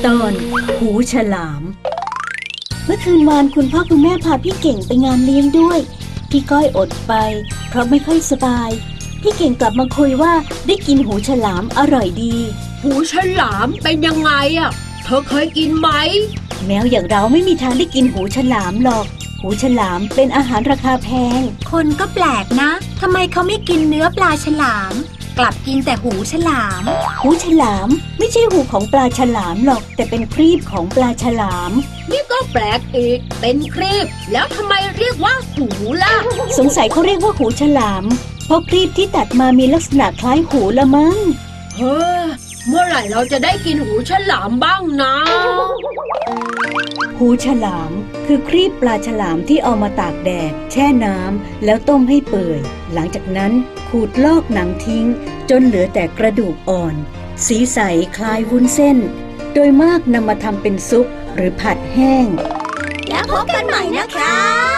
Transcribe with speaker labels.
Speaker 1: ตอนหูฉลามเมื่อคืนวานคุณพ่อคุณแม่พาพี่เก่งไปงานเลี้ยงด้วยพี่ก้อยอดไปเพราะไม่ค่อยสบายพี่เก่งกลับมาคุยว่าได้กินหูฉลามอร่อยดี
Speaker 2: หูฉลามเป็นยังไงอ่ะเธอเคยกินไหม
Speaker 1: แมวอย่างเราไม่มีทางได้กินหูฉลามหรอกหูฉลามเป็นอาหารราคาแพง
Speaker 3: คนก็แปลกนะทำไมเขาไม่กินเนื้อปลาฉลามกลับกินแต่หูฉลาม
Speaker 1: หูฉลามไม่ใช่หูของปลาฉลามหรอกแต่เป็นครีบของปลาฉลาม
Speaker 2: นี่ก็แปลกอีกเป็นครีบแล้วทำไมเรียกว่าหูล่ะ
Speaker 1: สงสัยเขาเรียกว่าหูฉลามเพราะครีบที่ตัดมามีลักษณะคล้ายหูละมั้ง
Speaker 2: เฮ้อเมื่อไหร่เราจะได้กินหูฉลามบ้างนะ
Speaker 1: หูฉลามคือครีบปลาฉลามที่เอามาตากแดดแช่น้ำแล้วต้มให้เปื่อยหลังจากนั้นขูดลอกหนังทิ้งจนเหลือแต่กระดูกอ่อนสีใสคล้ายวุ้นเส้นโดยมากนำมาทำเป็นซุปหรือผัดแห้ง
Speaker 3: แล้วพบกันใหม่นะคะ